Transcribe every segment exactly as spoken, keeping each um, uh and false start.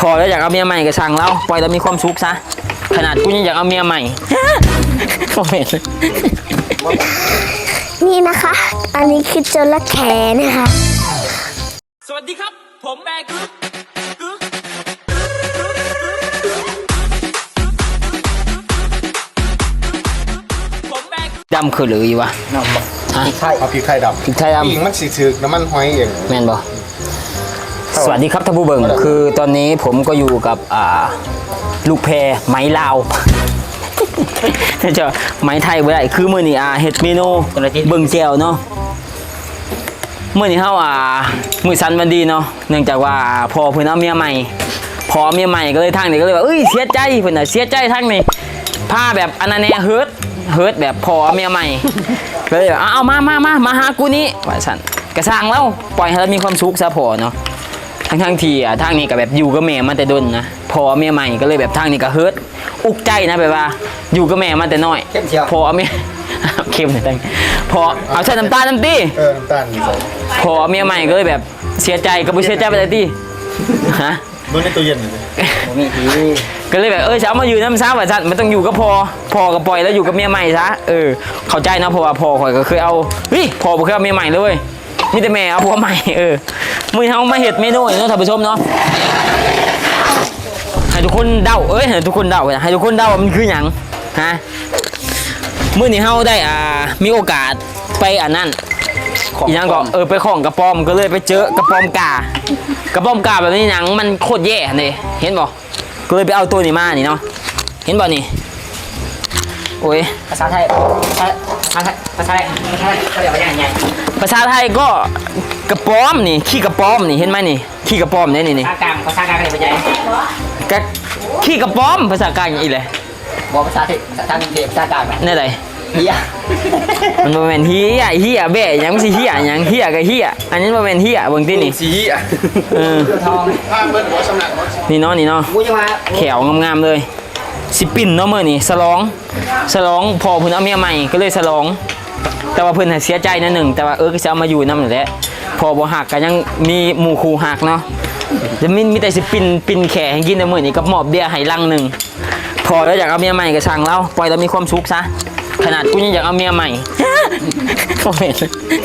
พอแล้วอยากเอาเมียใหม่ก็ช่างแล้วปล่อยแล้วมีความสุขซะขนาดกูยังอยากเอาเมียใหม่คอมเมนต์นี่นะคะ อันนี้คือจระเข้นะคะสวัสดีครับผมแบกดำคือหรืออยู่วะน้ำพริกไทยเอาพริกไทยดำพริกไทยดำอีกมันสีถือน้ำมันหอยเองแม่นบ่สวัสดีครับท่านผู้เบิ่งคือตอนนี้ผมก็อยู่กับอ่าลูกแพรไม้ลาวจะไม้ไทยบ่ได้คือมื้อนี้อ่าเฮ็ดเมนูเบิ่งแก้วเนาะมื้อนี้เฮาอ่ามื้อสันวันดีเนาะเนื่องจากว่าพอเพิ่นเอาเมียใหม่พอเมียใหม่ก็เลยทางนี้ก็เลยว่าเอ้ยเสียใจเพิ่นน่ะเสียใจทางนี้พาแบบอันนั้นแน่เฮิร์ตเฮิร์ตแบบพอเมียใหม่ก็เลยเอามามามามาหากูนี่ว่าซั่นกระสร้างแล้วปล่อยให้เรามีความสุขซะพอเนาะทั้งทั้งทีอ่ะทางนี้ก็แบบอยู่กับแม่มาแต่ดนนะพอเมียใหม่ก็เลยแบบทางนี้ก็เฮิร์ตอุกใจนะแบบว่าอยู่กับแม่มาแต่น้อยพอเมียเค็มเลยตั้งพอเอาใส่น้ำตาลน้ำตีเออน้ำตาลนี่ใส่พอเมียใหม่ก็เลยแบบเสียใจก็ไม่เสียใจไปเลยตีฮะเมื่อในตู้เย็นเลยมีทีก็เลยแบบเออจะเอามาอยู่น้ำซ้ำแบบนั้นมันต้องอยู่กับพอพอกับปล่อยแล้วอยู่กับเมียใหม่ซะเออเข้าใจนะเพราะว่าพอข่อยก็เคยเอาเฮ้ยพอบ่เคยเอาเมียใหม่เลยมีแต่แม่เอาผัวใหม่เออมือเขามาเห็ดเมนูเนาะท่านผู้ชมเนาะให้ทุกคนเดาเอ้ยให้ทุกคนเดาให้ทุกคนเดาว่ามันคือหยังฮะมื้อนี้เฮาได้อ่ามีโอกาสไปอันนั้นอีหยังก็เออไปของกระป๋อมก็เลยไปเจอกระป๋อมกากระป๋อมกาแบบนี้หยังมันโคตรแย่เลยเห็นบ่ก็เลยไปเอาตัวนี้มานี่เนาะเห็นบ่นี่โอ้ยภาษาไทยภาษาภาษาไทยภาษาไทยเขาเรียกว่าอย่างไงภาษาไทยก็กระป๋อมนี่ขี้กระป๋อมนี่เห็นไหมนี่ขี้กระป๋อมนี่นี่นี่ภาษากลางภาษากลางเรียกว่าอย่างกะขี้กระป๋อมภาษากลางอย่างอีเลยบอกภาษาไทยภาษากลางเรียกภาษากลางนี่อะไรเฮียมันบ่แม่นเฮียเฮียแบ่ยังสิเฮียยังเฮียกับเฮียอันนี้บ่แม่นเฮียเบิ่งตินี่สิเฮียเออทองนี่เนาะนี่เนาะแขวงามๆเลยสิปิ่นเนาะมื้อนี้ฉลองฉลองพอเพิ่นเอาเมียใหม่ก็เลยฉลองแต่ว่าเพิ่นเสียใจนะหนึ่งแต่ว่าเออก็จะเอามาอยู่นำนั่นแหละพอบ่หักก็ยังมีหมู่คู่หักเนาะจะมีมีแต่สิปิ่นปิ่นแขให้กินในมื้อนี้กับหมอบเบียร์ให้ลังนึงพอแล้วอยากเอาเมียใหม่ก็ช่างแล้วปล่อยแล้วมีความสุขซะขนาดกูยังอยากเอาเมียใหม่คอมเมนต์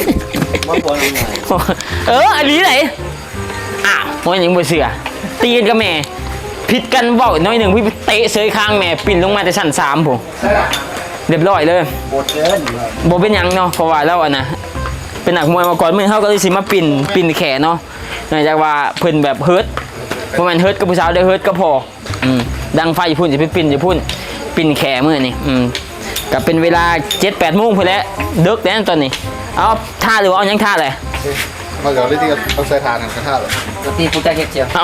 เอออันนี้ไหนอ้าววันนี้บ่เสือตีกันกับแม่ผิดกันบอกน้อยหนึ่งพี่เตะเสยข้างแม่ปิ่นลงมาแต่ชั้นสามผมเรียบร้อยเลยโบเกินโบเป็นยังเนาะเพราะว่าแล้วอ่ะนะเป็นหนักมวยมาก่อนเมื่อเขาก็เลยสิมาปิ่นปิ่นแขนเนาะเนื่องจากว่าเพิ่นแบบเฮิร์ตเพราะมันเฮิร์ตกับผู้สาวได้เฮิร์ตก็พออืมดังไฟอยู่พุ่นจะไปปิ่นจะพุ่นปิ่นแขนเมื่อนี่อืมกับเป็นเวลาเจ็ดแปดโมงพอแล้วเด็กแล้วตอนนี้เอาท่าหรือว่าเอายังท่าเลยมาเดี๋ยวได้ที่เอาใส่ทานกันท่าเลยตีผู้ใจเก็บเจียวเอา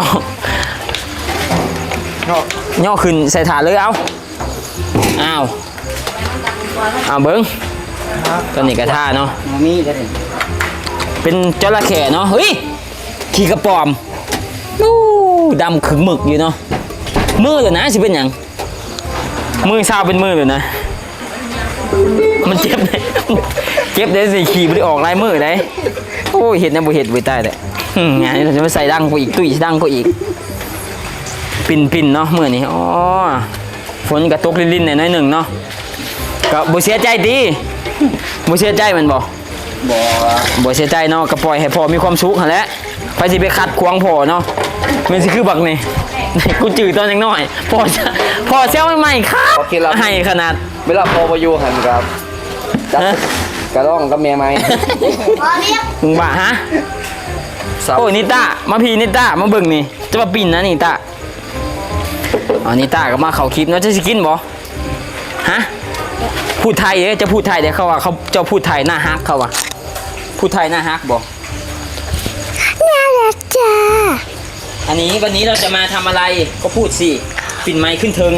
ย่อขึ้นใส่ถาดเลยเอาอ้าวเอาเบิ้งตอนนี้กระท่าเนาะเป็นจระเข้เนาะเฮ้ยขี่กระป๋อมนู่ดำขึงหมึกอยู่เนาะมือเลยนะสิเป็นอย่างมือซาวเป็นมือเลยนะมันเจ็บเลยเจ็บได้สิขี่ไม่ได้ออกลายมือได้โอ้เห็ดนะบุเห็ดบุยใต้เลยงานนี้เราจะมาใส่ดังกูอีกตุ้ยดังกูอีกปิ่นปิ่นเนาะเมื่อนี้อ๋อฝนกระตกลิ่นๆหน่อยหนึ่งเนาะก็บ่เสียใจดีบ่เสียใจมันบ่บ่บ่เสียใจเนาะก็ปล่อยให้พ่อมีความสุขหั่นแหละไปสิไปขัดขวางพ่อเนาะมันสิคือบักนี่กูจืดตอนยังน้อยพ่อพ่อเซลใหม่ครับให้ขนาดเวลาพ่อมาอยู่หันครับกระร้องกับเมียไหมมึงบ้าฮะโอ้นิต้ามาพี่นิต้ามาเบิ่งนี่จะมาปิ่นนะนิต้าอ๋อนิต้าก็มาเขาคลิปเนาะจะสิกินบ่ฮะพูดไทยเด้จะพูดไทยเด้เขาว่าเขาจะพูดไทยหน้าฮักเขาว่าพูดไทยหน้าฮักบ่น่ารักจ้าอันนี้วันนี้เราจะมาทำอะไรก็พูดสิปิ่นไม้ขึ้นเทิง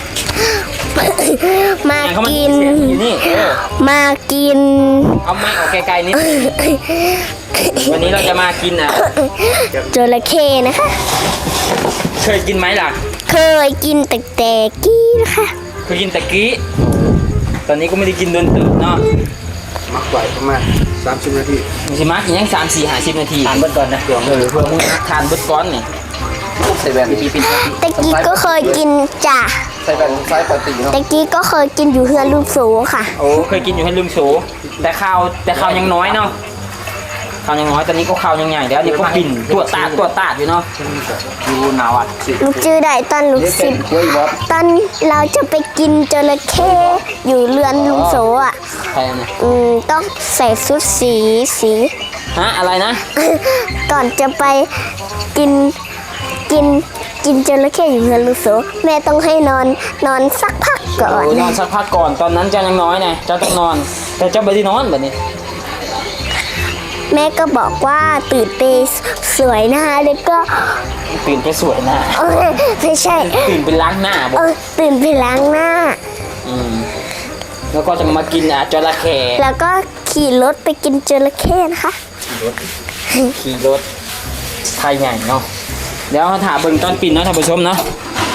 มากินมากินเอาไม้ออกไกลๆนิดวันนี้เราจะมากินอ่ะจระเข้นะคะเคยกินไหมล่ะเคยกินแต่แต่กี้นะคะเคยกินแต่กี้ตอนนี้ก็ไม่ได้กินโดนตื่นเนาะมักไหวประมาณสามสิบนาทีไม่ใช่มักยังสามสี่ห้าสิบนาทีทานเบิดก่อนนะเพื่อเพื่อมึงทานเบิดก้อนนี่ใส่แว่นพี่พี่ตะกี้ก็เคยกินจ้ะใส่แว่นไซส์ปกติเนาะตะกี้ก็เคยกินอยู่เฮือนลูกสูค่ะโอ้เคยกินอยู่ให้ลืมโฉแต่ข้าวแต่ข้าวยังน้อยเนาะข้าวยังน้อยตอนนี้ก็ข้าวยังใหญ่แล้วนี่ก็ปิ่นตัวตาดตัวตาดอยู่เนาะดูหนาวอ่ะสิลูกจื้อได้ตอนลูกเรียกสิเป็นบกล้วยบอสตอนเราจะไปกินจระเข้อยู่เรือนลุงโสอ่ะใครเนี่ยอืมต้องใส่ชุดสีสีฮะอะไรนะก่อนจะไปกินกินกินจระเข้อยู่เรือนลุงโสแม่ต้องให้นอนนอนสักพักก่อนโอ้ยนอนสักพักก่อนตอนนั้นเจ้ายังน้อยไงเจ้าต้องนอน แต่เจ้าไม่ได้นอนแบบนี้แม่ก็บอกว่าตื่นไปสวยนะคะแล้วก็ตื่นไปสวยหน้าเอ้ยไม่ใช่ตื่นไปล้างหน้าบอเอก อตื่นไปล้างหน้าอืมแล้วก็จะมากินอ่ะจระเข้แล้วก็ขี่รถไปกินจระเข้นะคะขี่รถไทยใหญ่เนาะเดี๋ยวเราถามเบิ่งตอนปิ่นเนาะท่านผู้ชมเนาะ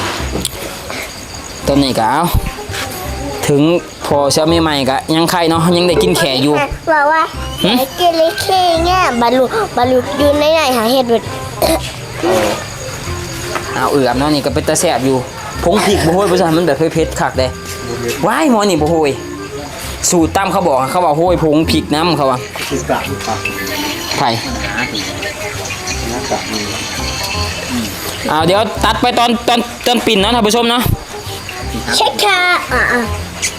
ตอนนี้ก็เอาถึงพอเช้าใหม่ๆก็ยังไข่เนาะยังได้กินแข่อยู่บอกว่าหึไอ้จระเข้เนี่ยบรรลุบรรลุอยู่ในไหนหาเห็ดเบิดเอาเอือบเนาะนี่ก็เป็นตาแสบอยู่ผงพริกบ่โหยบ่ใช่มันแบบเผ็ดๆคักเด้ว้ายหมอนี่บ่โหยสูตรตามเขาบอกเขาว่าโหยผงพริกน้ำเขาว่าคือกะปากไผ่หน้ากะมีเอาเดี๋ยวตัดไปตอนตอนตอนปิ่นเนาะท่านผู้ชมเนาะใช่ค่ะอ่ะอ่ะ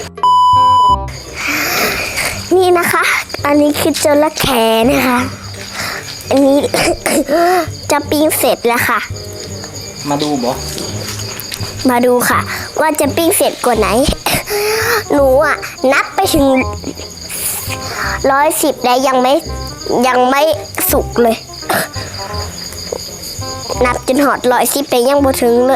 นี่นะคะ อันนี้คือจระเข้นะคะ อันนี้ จะปิ้งเสร็จแล้วค่ะมาดูบ่มาดูค่ะ ว่าจะปิ้งเสร็จกว่าไหน หนูอ่ะ นับไปถึงร้อยสิบแล้วยังไม่ยังไม่สุกเลย นับจนหอดร้อยสิบไปยังบ่ถึงเลย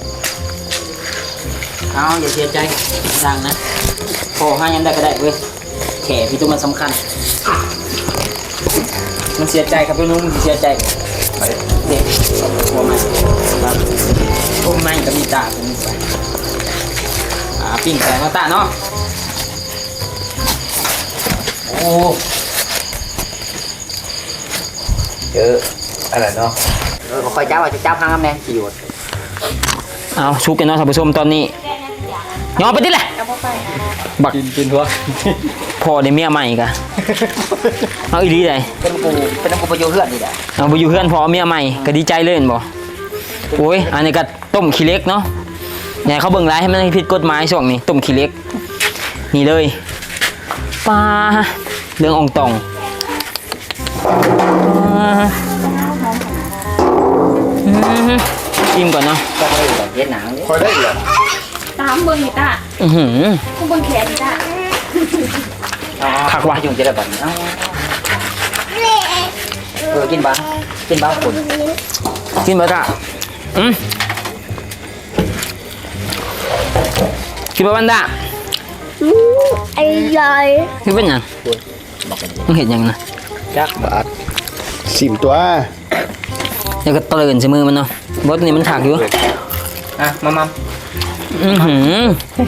เอาอย่าเสียใจดังนะพอให้ยังได้ก็ได้เว้ยแขพี่ตัวมันสำคัญ มันเสียใจครับพี่นุ่มมันเสียใจเด็กหัวมันครับต้มไม้กับมีตาเป็นไปอ่าปิ้งใส่มาตาเนาะโอ้เจออะไรเนาะเออคอยจ้าว่าจะจ้าพังน้ำแดงกี่หยดเอาชุบกันเนาะท่านผู้ชมตอนนี้ยอมไปดิแหละบักกินกินทั่วพอได้เมียใหม่กะเอาอีดีเลยเป็นกูเป็นกูประโยชน์เพื่อนนี่แหละเอาไปอยู่เพื่อนพอเมียใหม่ก็ดีใจเลยเห็นบ่โอ้ยอันนี้ก็ต้มขี้เล็กเนาะเนี่ยเขาเบิ่งร้ายให้มันผิดกฎหมายช่วงนี้ต้มขี้เล็กนี่เลยปลาเรื่องอองตองอ่าอืมชิมก่อนเนาะก็ไม่ได้แบบเย็นหนังนี่คอยได้เหรอตามเบิ้งนี่ตาอือหือกูเบิ้งแขนนี่ตาผักว่ะยุ่งจะได้แบบนี้เออกินบ้างกินบ้างคนกินบ่จ้ะอืมกินบ่บันดาอืมอร่อยคือเป็นหยังมึงเห็นหยังนะจักบาทสิบตัวเดี๋ยวก็เตือนใส่มือมันเนาะบดนี่มันถักอยู่อ่ะมามาอือหือ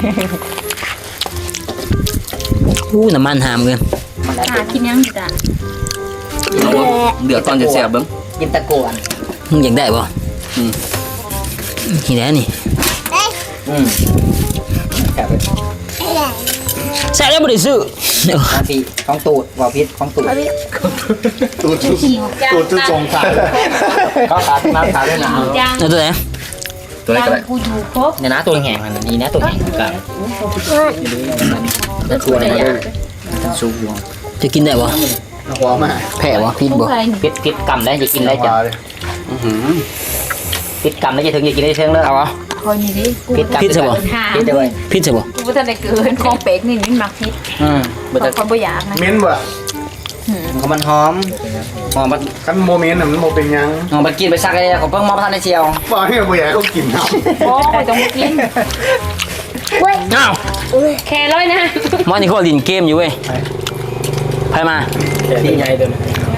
อู้น้ำมันหามเกินตากินยังนี่ตาเดือดตอนจะเสียบเบิ้งกินตะโกนมึงอยากได้ป่ะอืมนี่แหละนี่อืมแค่ไปใส่แล้วบ่ได้ซื้อนาทีของตูดว่าพิษของตูดตูดจุดตูดจุดทรงขาดก็ขาน้ำขาด้วยหนาวจังเอาตัวไหนตัวเล็กจัอะไรงกูอยู่ครบเนี่ยนะตัวแห้งมันนี่นะตัวแห้งกันแต่ตัวอะไรเนี่ยซุปอยู่จะกินได้ป่ะหัวมาแพ้ป่ะพิษกูบ่ใครนี่พิษพิษกำได้จะกินได้จ้ะอือหือพิษกำได้จะถึงจะกินได้เชิงเลยเอาป่ะคอยนี่ดิกูพิษกำพิษใช่ปะพิษได้เลยพิษใช่ป่ะกูบ่ทันได้เกินของเป็กนี่มันมักพิษอืมบางคนบ่อยากนะเม้นบ่เขามันหอมหอมมันกันโมเมนต์น่ะมันโมเป็นยังหอมมันกินไปซักเลยผมเพิ่งมองท่านในเชียวบอกให้ผู้ใหญ่เขากินเอาโอ้ยต้องกินเว้ยอ้าวแค่ร้อยนะหมอนี่เขาลินเกมอยู่เว้ยไปมาดีใหญ่เดิม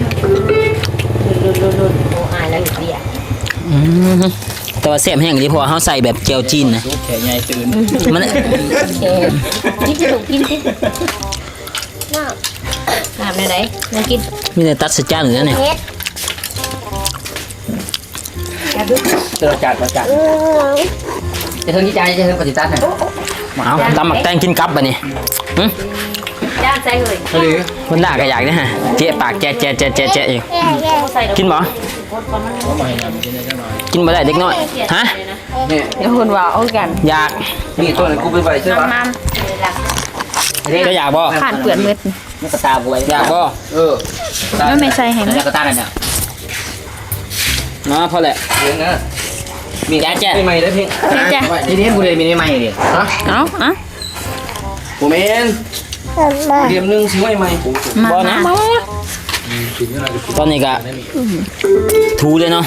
โอ้อายแล้วอยู่ดีอ่ะอืมแต่ว่าแซ่บแห้งดีเพราะว่าเขาใส่แบบเจียวจีนนะแขนใหญ่ตื่นมันแค่นี่จะถูกกินสิน้ำไหนไหนมากินมีแต่ตัดสจานอยู่แล้วเนี่ยเฮ็ดแค่จะเราจัดเราจัดจะเทิงที่ใจจะเทิงปฏิทัศน์นะเอาตำหมักแตงกินกับบ่นี่หึย่างใส่เลยทะเลมันด่าก็อยากนะฮะเจ๊ปากแจ๊ะแจ๊ะแจ๊ะแจ๊ะแจ๊ะอยู่ใส่ดอกกินบ่กินบ่ได้เด็กน้อยฮะเนี่ยเดี๋ยวคุณว่าเอากันอยากนี่ตัวนั้นกูไปไปใช่ปะมันก็อยากบ่ผ่านเปลือนเม็ดมันกระตาบวยอยากบ่เออไม่ไม่ใส่ให้มันแล้วกระตานั่นเนี่ยเนาะพอแหละเลี้ยงนะมีแจ๊ะแจ๊ะไม่ใหม่ได้เพียงจ้ะทีนี้กูเลยมีไม่ใหม่ดิฮะเอาอ่ะผมเองเดียมนึงซื้อไม่ใหม่กูมาบ่นะมาตอนนี้ก็ถูเลยเนาะ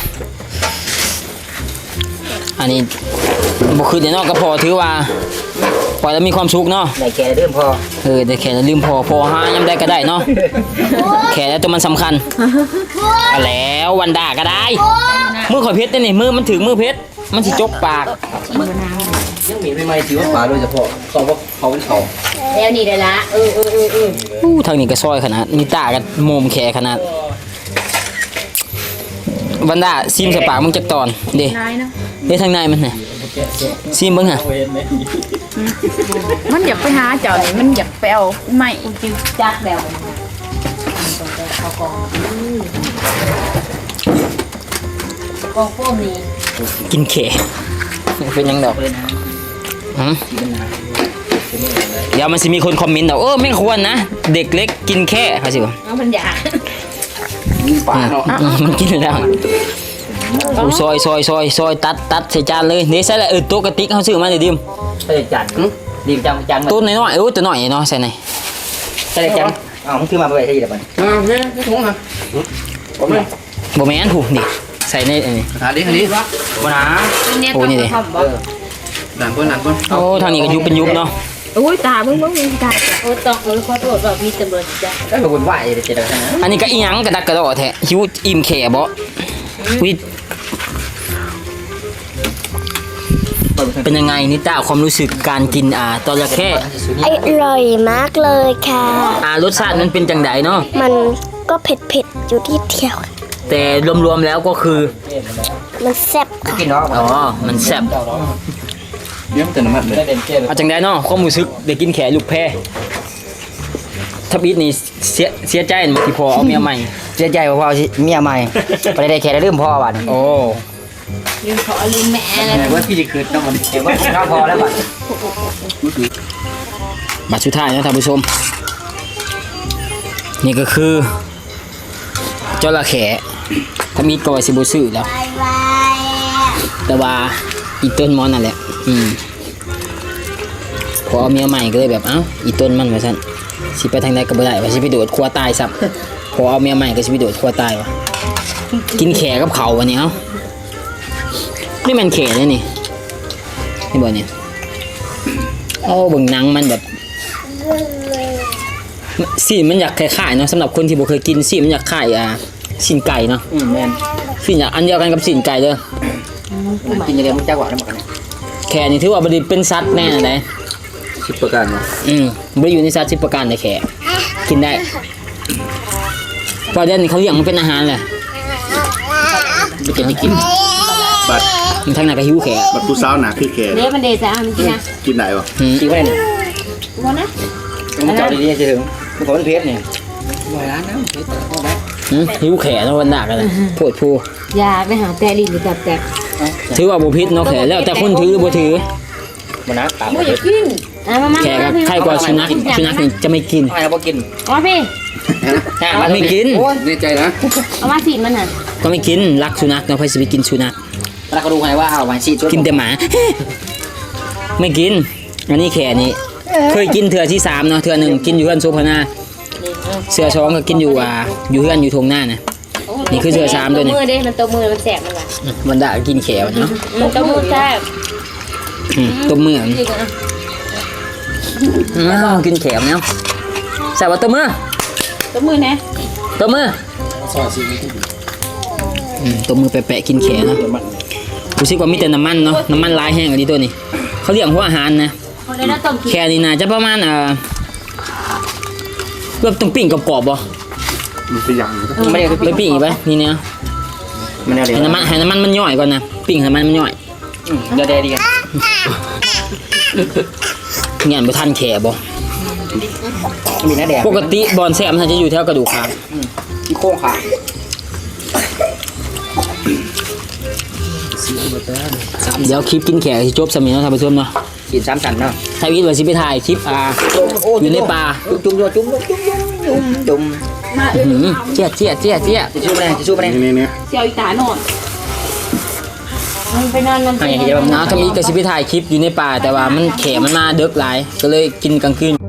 อันนี้บ่คือเดี๋ยวเนาะก็พอถือว่าปล่อยแล้วมีความสุขเนาะได้แก่เริ่มพอเออแต่แค่ลืมพอพอหายังได้ก็ได้เนาะแค่แล้วตัวมันสำคัญเอาแล้ววันด่าก็ได้มือข่อยเพชรนี่มือมันถึงมือเพชรมันสิจกปากยังมีไม่ใหม่ถือว่าปลาโดยเฉพาะเขาว่าเขาเป็นเขาแล้วนี่ได้ละเออเออเออเอออู้ทางนี้ก็ซอยขนาดนี่ตากันโมมแขขนาดวันด่าซิมใส่ปากมึงจักตอนเด้นายเนาะเด้ทางในมันน่ะซิมเบิ่งฮะมันอยากไปหาเจ้านี่มันอยากไปเอาไม่จิ้วจักแล้วกองโฟมนี่กินแขเป็นยังดอกหืมเดี๋ยวมันสิมีคนคอมเมนต์ดอกเออไม่ควรนะเด็กเล็กกินแค่เขาสิวะเอามันอยากปลาเนาะอืมมันกินแล้วโอ้ซอยซอยซอยซอยตัดตัดใส่จานเลยนี่ใส่ละเออตัวกระติกเขาซื้อมาเลยดิมใส่จันดีจังจังตัวน้อยๆเออตัวน้อยเนาะใส่ไหนใส่จังอ้าวมึงคือมาไปใช่ไหมมันอ่าเนี่ยไม่ถุงฮะผมเลยบ่แม่นผูนี่ใส่ในอันนี้หาดิหาดิวันหาเนี่ยต้องทำบ่หนังก้นหนังก้นโอ้ทางนี้ก็ยุบเป็นยุบเนาะอุ้ยตาเบิ่งเบิ่งเบิ่งตาโอ้ต้องเออขอโทษว่ามีตำรวจจ้ะก็เป็นคนไหวเจริญนะอันนี้ก็อีหยังกระดักกระดอแท้หิวอิ่มแขบ่วิเป็นยังไงนิต้าความรู้สึกการกินอ่าตอระเข้อร่อยมากเลยค่ะอ่ารสชาติมันเป็นจังไดเนาะมันก็เผ็ดๆอยู่ที่เดียวแต่รวมๆแล้วก็คือมันแซ่บค่ะกินเนาะอ๋อมันแซ่บเลี้ยงแต่น้ำมันเลยเอาจังไดเนาะความรู้สึกได้กินแขลูกแพรทับอิดนี่เสียเสียใจหมดที่พอเอาเมียใหม่เสียใจเพราะว่าเมียใหม่ไปได้แค่ได้ลืมพ่อบัดโอ้ลืมขอลืมแม่อะไรแต่ว่าพี่จะคืนต้องมันเห็นว่าข้าวพอแล้วบัดบัตรสุดท้ายนะท่านผู้ชม นี่ก็คือจระเข้ถ้ามีกอยสิบซื้อแล้ว แต่ว่าอีต้นมอนนั่นแหละ อืมพอเอาเมียใหม่ก็เลยแบบเอ้าอีต้นมันว่าซั่นสิไปทางใดก็บ่ได้ว่าสิไปโดดครัวตายซับพอเอาเมียใหม่ก็สิไปโดดครัวตายวะกินแขกับเขาวันนี้เอ้านี่มันแขเลยนี่นี่บ่เนี่ยโอ้เบิ่งหนังมันแบบสีมันอยากคล้ายๆเนาะสำหรับคนที่บ่เคยกินสีมันอยากคล้ายอ่าสินไก่เนาะอืมแม่นสีอยากอันเดียวกันกับสินไก่เด้อกินอย่างเดียวมึงจักหวานแล้วบัดนี้แขนี่ถือว่าบ่ได้เป็นสัตว์แน่ไดสิบประการเนาะอืมบ่อยู่ในสัตว์สิบประการเลยแขกินได้เพราะเดี๋ยวนี้เขาเลี้ยงมันเป็นอาหารแหละบ่จะได้กินบัตรมันทางนั้นก็หิวแขบัตรผู้สาวหนาคือแขนเดี๋ยวมันเดซ่ามันกินนะกินไหนวะอืมกินไม่ได้เนี่ยวันนะมึงจับดีๆจะถึงมึงขอเป็นเพชรเนี่ยบ่ร้านนะเพชรเอาไว้อืมหิวแขเนาะวันดากันเลยโพดผู้ยาไปหาแต่ลิ้นหรือจับแต่ถือว่าบ่ผิดเนาะแขแล้วแต่คนถือหรือบ่ถือบ่นะปากบ่อยากกินอ่ะมามาแขก็ใครกว่าสุนัขสุนัขนี่จะไม่กินทำไมเราบ่กินเอาพี่ไม่กินแน่ใจนะเอามาสีมันน่ะก็ไม่กินรักสุนัขเนาะใครสิไปกินสุนัขแล้วก็ดูไงว่าเอาไว้สิกินแต่หมา ไม่กิน อันนี้แขนี่เคยกินเถื่อที่สามเนาะเถื่อหนึ่งกินอยู่เพื่อนโซพนาเสือช้องก็กินอยู่อ่าอยู่เพื่อนอยู่ทงหน้านะ นี่คือเสือสามด้วยนี่มือเด้มันตัวมือมันแสบมันว่ะมันด่ากินแขวเนาะมันตัวมือแสบอืมตัวมือจริงอ่ะอ้าวกินแขวเนาะใส่ว่าตัวมือตัวมือนะตัวมืออืมตัวมือแปะๆกินแขวเนาะรู้สึกว่ามีแต่น้ำมันเนาะน้ำมันลายแห้งอันนี้ตัวนี้เขาเรียกหัวอาหารนะคนเลยนะต้มกินแค่นี้น่าจะประมาณเอ่อแบบต้องปิ้งกรอบๆบ่มันเป็นอย่างนี้ไม่ได้ไปปิ้งอีกไปนี่เนี่ยมันเดี๋ยวให้น้ำมันให้น้ำมันมันย่อยก่อนนะปิ้งให้น้ำมันมันย่อยเดี๋ยวเดี๋ยวดีกันงานไปทันแขบ่มีน้าแดงปกติบอลแซมมันจะอยู่แถวกระดูกคางที่โค้งขาเดี๋ยวคลิปกินแขกที่จบสมิธเนาะท่านผู้ชมเนาะกินสามสันเนาะถ้าวิทย์ว่าสิไปถ่ายคลิปอ่าอยู่ในป่าจุ่มจุ่มจุ่มจุ่มจุ่มจุ่มจุ่มอื้อหือเจี๊ยเจี๊ยเจี๊ยเจี๊ยจะสู้ไปไหนจะสู้ไปไหนนี่นี่เสียวอีตาหนอนมันไปนอนมันทางอย่างที่จะแบบนะทำอีกก็สิไปถ่ายคลิปอยู่ในป่าแต่ว่ามันแขมันมาเดึกหลายก็เลยกินกลางคืน